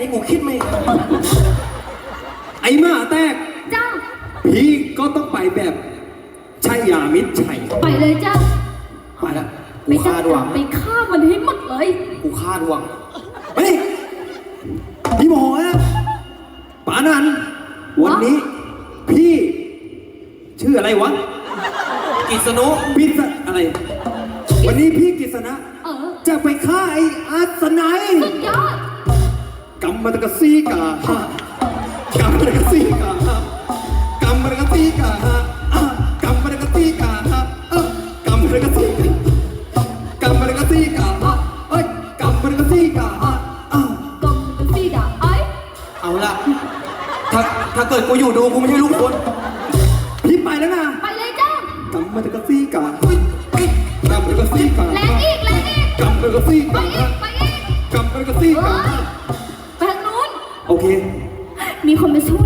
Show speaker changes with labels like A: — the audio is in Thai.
A: กูคิดไม่ออก
B: ไอ้หมาแตก
C: จ้า
B: พี่ก็ต้องไปแบบชัยยามิตรชัย
C: ไปเลยจ้า
A: ไปแล้ว
C: ไป
A: กู
C: จ้า
A: คาดหวัง
C: ไปฆ่ามันให้หมดเลย
A: กูคาดหวัง
B: เฮ้ยพี่โมโหนะป๋านันวันนี้ พี่ชื่ออะไรวะ
A: กิษณุ
B: พี่อะไร วันนี้พี่กฤษณะ
C: เออ
B: จะไปฆ่าไอ้อาสนัย
C: สุดยอด
B: กำมันตะซีกาฮะกำมันตะซีกาฮะกำมันตะซีกาฮะอ่ะกำมันตะซีกาฮะกำมันตะซีกากำมันตะซีกาฮะเอ้ยกำมันตะซีกาฮะอ่ะ
C: กองเป็นสีดาไอ้
A: เอาละถ้าเกิดกูอยู่ดูกูไม่ใช่ลูกคน
B: พี่ไปแล้วนะ
C: ไปเลยจ้าก
B: ำมันตะซีกาเฮ้ยเฮ้ยกำมันตะซีกา
C: แรงอีกแรงอีก
B: กำมันตะซี
C: ไป
B: กา
C: อี
B: ฮะ
C: กไปอีก
B: กำมันตะซี
C: เฮ้
B: กาย
C: ไปทางนู้น
B: โอเค
C: มีคนมาช่วย